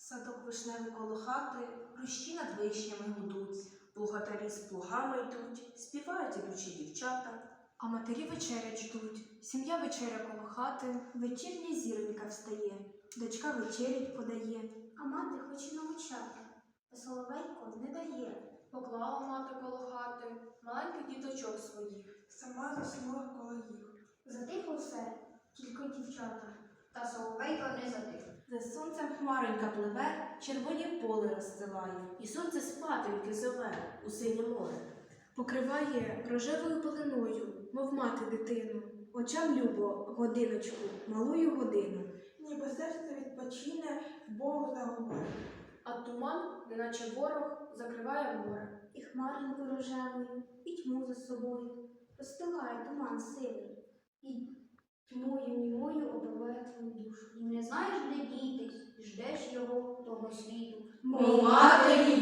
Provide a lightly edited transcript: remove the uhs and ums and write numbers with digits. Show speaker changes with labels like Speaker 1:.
Speaker 1: Садок вишневий коло хати, хрущі над вишнями гудуть.
Speaker 2: Плугатарі з плугами йдуть, співають ідучі дівчата.
Speaker 3: А матері вечерять ждуть, сім'я вечеря коло хати.
Speaker 4: Вечірня зіронька встає, дочка вечерять подає.
Speaker 5: А мати хоче навчати, та соловейко не дає.
Speaker 6: Поклала мати коло хати маленьких діточок своїх.
Speaker 7: Сама заснула коло їх.
Speaker 5: Затихло все, тільки дівчата, та соловейко не затих.
Speaker 1: За сонцем хмаронька пливе, червоні поле розстилає.
Speaker 2: І сонце спатеньки зове у синє море.
Speaker 3: Покриває рожевою пеленою, мов мати дитину. Очам любо годиночку, малую годину.
Speaker 7: Ніби серце відпочине, Бог загубив.
Speaker 6: А туман, неначе ворог, закриває море.
Speaker 5: І хмаринку рожевою, і тьму за собою. Розстилає туман сивий, і тьмою німою обливає твою душу. І не знаєш, де дітись, ждеш його того світу.
Speaker 4: Мов матері